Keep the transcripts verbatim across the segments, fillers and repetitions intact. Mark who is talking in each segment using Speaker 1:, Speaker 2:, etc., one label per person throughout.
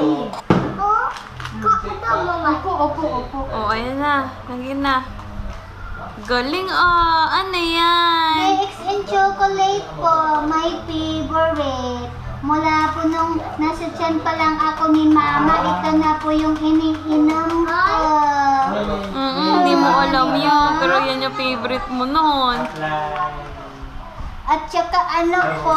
Speaker 1: Opo, opo, opo.
Speaker 2: Oh, ayan na. Lagyan na. Galing oh. Ano yan?
Speaker 1: K X N chocolate po, my favorite. Mula po nung nasa tiyan pa lang ako ni Mama, ito na po yung iniinom ko.
Speaker 2: Mm, hindi mo alam yun. Pero yan yung favorite mo noon.
Speaker 1: At saka ano po,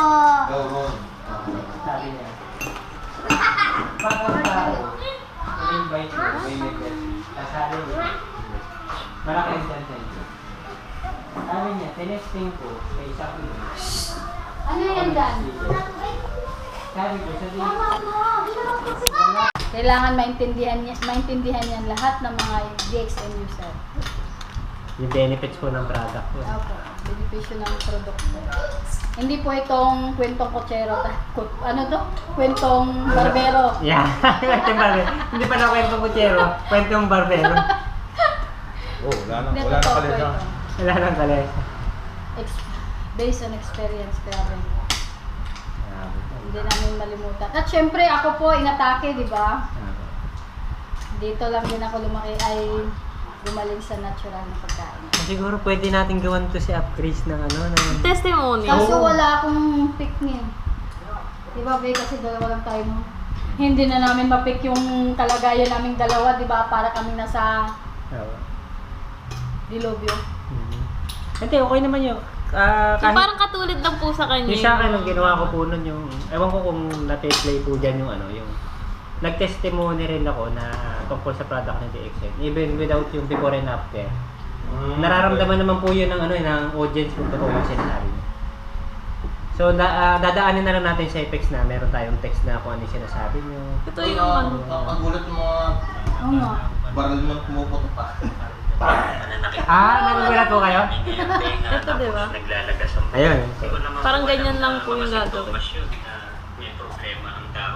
Speaker 3: Sabi niya. Bakit invite mo, may may kasali niya. Malaki ang dyan. Sabi niya, tinesting ko, may isa ko yun.
Speaker 1: ano yan Dan?
Speaker 3: Sabi ko, sabi
Speaker 4: Kailangan maintindihan niya, maintindihan niyan lahat ng mga D X N user.
Speaker 3: yung benefits po ng product ko.
Speaker 4: Opo, benepisyo ng produkto. Hindi po itong kwentong kutsero, ta- kut- ano to? Kwentong barbero.
Speaker 3: Yeah, kwentong barbero. Hindi pala kwentong kutsero, kwentong barbero.
Speaker 5: Oh, wala na,
Speaker 4: Hindi,
Speaker 5: wala na
Speaker 4: totoo
Speaker 5: pala
Speaker 4: po
Speaker 5: siya.
Speaker 4: ito.
Speaker 3: Wala nang kala.
Speaker 4: Ex- based on experience, grabe. Hindi namin malimutan. At syempre, ako po inatake, di ba? Dito lang din ako lumaki ay gumaling sa natural na pagkain.
Speaker 3: Siguro pwede natin gawan to si Upgrace ng ano, ng...
Speaker 2: Testimony.
Speaker 4: Kaso wala akong pick niya. Di ba, Bey? Kasi dalawa lang tayo, no? Hindi na namin mapick yung kalagayan naming dalawa, di ba? Para kami nasa
Speaker 3: Oo.
Speaker 4: dilobyo.
Speaker 3: Mhm. Hindi, okay naman yun. Ah,
Speaker 2: So,
Speaker 3: kahit...
Speaker 2: parang katulad lang po sa kanya.
Speaker 3: Yung sa akin, ang ginawa ko po nun yung, ewan ko kung na-play po dyan yung ano, yung nag-testimony rin ako na tungkol sa product ng D X N, even without yung before and after.
Speaker 5: Mm,
Speaker 3: Nararamdaman naman po yun ng, ano, ng audience kung totoo yung sinasabi niya. So, da, ah, dadaanin na lang natin sa effects na meron tayong text na kung ano yung sinasabi niyo.
Speaker 2: Ito yung ano.
Speaker 5: Ang gulat ng mga
Speaker 4: Oo nga.
Speaker 5: baril mo pumuputo pa.
Speaker 3: Ah, nagugulat po kayo?
Speaker 2: Ito, di ba?
Speaker 3: Ayun.
Speaker 2: Parang ganyan lang po yung gagawin.